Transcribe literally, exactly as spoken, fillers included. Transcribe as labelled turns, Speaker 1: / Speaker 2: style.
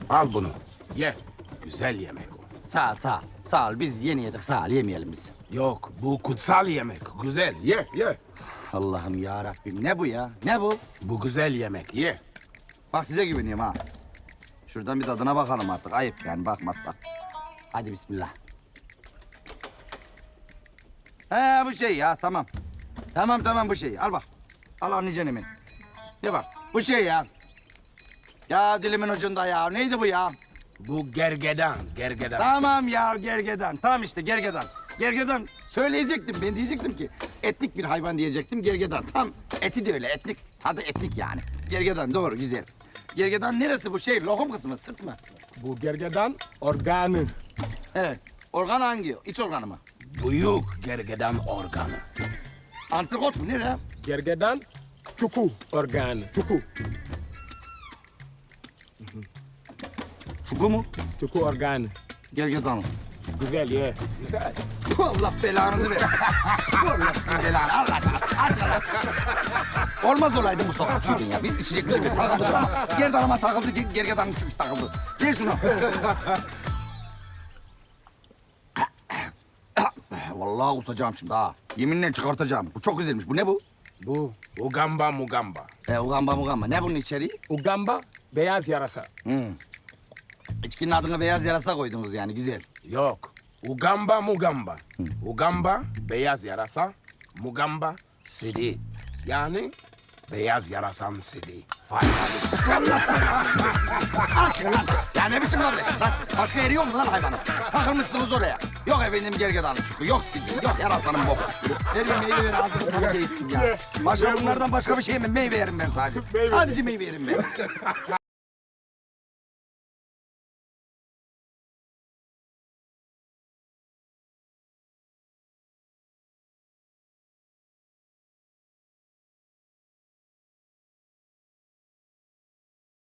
Speaker 1: Al bunu. Ye. Güzel yemek o.
Speaker 2: Sağ ol, sağ ol. Sağ ol, biz yeni yedik, sağ ol. Yemeyelim biz.
Speaker 1: Yok, bu kutsal yemek. Güzel. Ye, ye.
Speaker 2: Allah'ım ya Rabbim, ne bu ya? Ne bu?
Speaker 1: Bu güzel yemek. Ye.
Speaker 2: Bak size güveniyorum ha. Şuradan bir tadına bakalım artık. Ayıp yani bakmazsak. Hadi bismillah. He bu şey ya, tamam. Tamam tamam bu şey. Al bak. Al anlayacaksın hemen. Ne bak, bu şey ya. Ya dilimin ucunda ya. Neydi bu ya?
Speaker 1: Bu gergedan, gergedan.
Speaker 2: Tamam ya gergedan. Tamam işte gergedan. Gergedan söyleyecektim. Ben diyecektim ki etnik bir hayvan diyecektim. Gergedan. Tam eti de öyle etnik. Tadı etnik yani. Gergedan doğru güzel. Gergedan neresi bu şey? Lokum kısmı sırt mı?
Speaker 3: Bu gergedan organı.
Speaker 2: Evet. Organ hangi? İç organı mı?
Speaker 1: Büyük gergedan organı.
Speaker 2: Antrikot mu? Nere?
Speaker 3: Gergedan çuku organı. Çuku.
Speaker 2: Şuku mu?
Speaker 3: Çuku organı.
Speaker 2: Gergedan.
Speaker 3: Güzel ye.
Speaker 1: Güzel.
Speaker 2: Allah belanızı ver. Allah belanı. Allah aşkına. Aşkına. Olmaz olaydı bu sokakçıydın ya. Biz içecek bir şey mi? Takıldık ama. Gerdanıma takıldı, ger- gergedanın çünkü takıldı. Ver şunu. Vallahi kusacağım şimdi ha. Yeminle çıkartacağım. Bu çok güzelmiş. Bu ne bu?
Speaker 1: Bu ugamba mugamba.
Speaker 2: E, ugamba mugamba. Ne bunun içeriği?
Speaker 3: Ugamba beyaz yarasa.
Speaker 2: Hmm. İçkinin adına beyaz yarasa koydunuz yani. Güzel.
Speaker 1: Yok. Ugamba mugamba. Ugamba beyaz yarasa, mugamba sili. Yani beyaz yarasan sili. Faydalı.
Speaker 2: Aşkına lan. Ya ne biçim lan? Lan siz başka yeri yok mu lan hayvanın? Takılmışsınız oraya. Yok efendim gergedanın çünkü. Yok silgi. Yok yarasanın boku. Ver bir meyve ver ağzını tadı değilsin ya. Başka bunlardan başka bir şey mi? Meyve yerim ben sadece. Sadece meyve yerim ben.